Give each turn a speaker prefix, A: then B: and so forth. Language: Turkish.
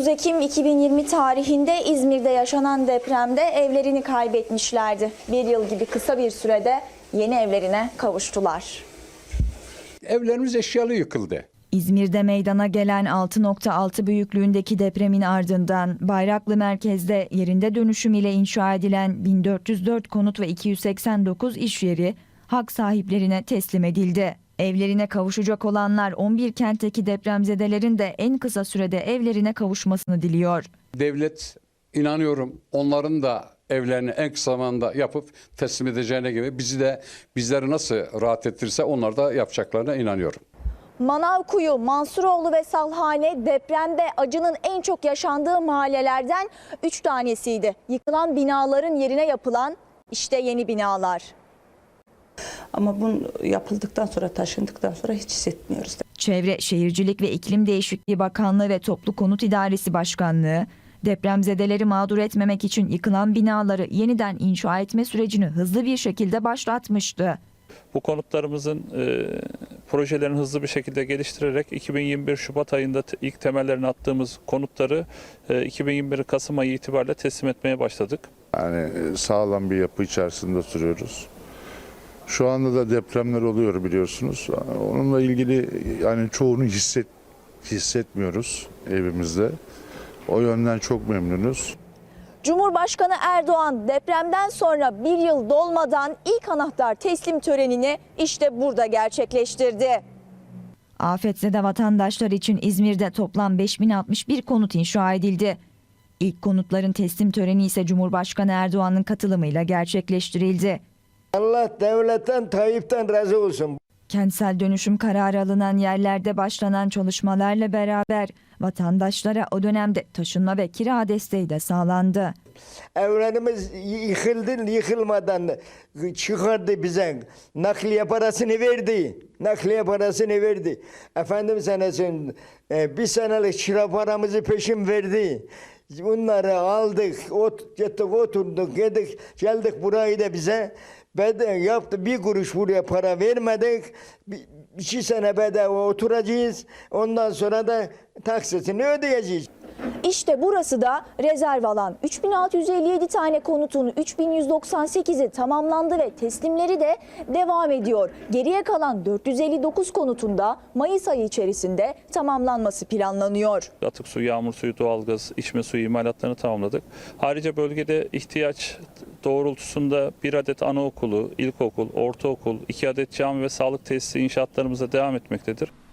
A: 30 Ekim 2020 tarihinde İzmir'de yaşanan depremde evlerini kaybetmişlerdi. Bir yıl gibi kısa bir sürede yeni evlerine kavuştular.
B: Evlerimiz eşyalı yıkıldı.
C: İzmir'de meydana gelen 6.6 büyüklüğündeki depremin ardından Bayraklı merkezde yerinde dönüşüm ile inşa edilen 1404 konut ve 289 iş yeri hak sahiplerine teslim edildi. Evlerine kavuşacak olanlar 11 kentteki depremzedelerin de en kısa sürede evlerine kavuşmasını diliyor.
B: Devlet, inanıyorum, onların da evlerini en kısa zamanda yapıp teslim edeceğine gibi bizleri nasıl rahat ettirirse onlar da yapacaklarına inanıyorum.
A: Manavkuyu, Mansuroğlu ve Salhane depremde acının en çok yaşandığı mahallelerden 3 tanesiydi. Yıkılan binaların yerine yapılan işte yeni binalar.
D: Ama bunu yapıldıktan sonra, taşındıktan sonra hiç hissetmiyoruz.
C: Çevre, Şehircilik ve İklim Değişikliği Bakanlığı ve Toplu Konut İdaresi Başkanlığı, depremzedeleri mağdur etmemek için yıkılan binaları yeniden inşa etme sürecini hızlı bir şekilde başlatmıştı.
E: Bu konutlarımızın projelerini hızlı bir şekilde geliştirerek 2021 Şubat ayında ilk temellerini attığımız konutları 2021 Kasım ayı itibariyle teslim etmeye başladık.
F: Yani sağlam bir yapı içerisinde oturuyoruz. Şu anda da depremler oluyor biliyorsunuz. Onunla ilgili yani çoğunu hissetmiyoruz evimizde. O yönden çok memnunuz.
A: Cumhurbaşkanı Erdoğan depremden sonra bir yıl dolmadan ilk anahtar teslim törenini işte burada gerçekleştirdi.
C: Afetzede vatandaşlar için İzmir'de toplam 5061 konut inşa edildi. İlk konutların teslim töreni ise Cumhurbaşkanı Erdoğan'ın katılımıyla gerçekleştirildi.
G: Allah devletten, Tayyip'ten razı olsun.
C: Kentsel dönüşüm kararı alınan yerlerde başlanan çalışmalarla beraber vatandaşlara o dönemde taşınma ve kira desteği de sağlandı.
G: Evlerimiz yıkıldı, yıkılmadan çıkardı bize. Nakliye parasını verdi. Nakliye parasını verdi. Efendim senesin bir senelik kira paramızı peşin verdi. Bunları aldık, gittik, oturduk, geldik burayı da bize. Bedel yaptı, bir kuruş buraya para vermedik. 2 sene bedava oturacağız. Ondan sonra da taksitini ödeyeceğiz.
A: İşte burası da rezerv alan. 3657 tane konutun 3198'i tamamlandı ve teslimleri de devam ediyor. Geriye kalan 459 konutunda Mayıs ayı içerisinde tamamlanması planlanıyor.
E: Atık suyu, yağmur suyu, doğalgaz, içme suyu imalatlarını tamamladık. Ayrıca bölgede ihtiyaç doğrultusunda 1 adet anaokulu, ilkokul, ortaokul, 2 adet cami ve sağlık tesisi inşaatlarımıza devam etmektedir.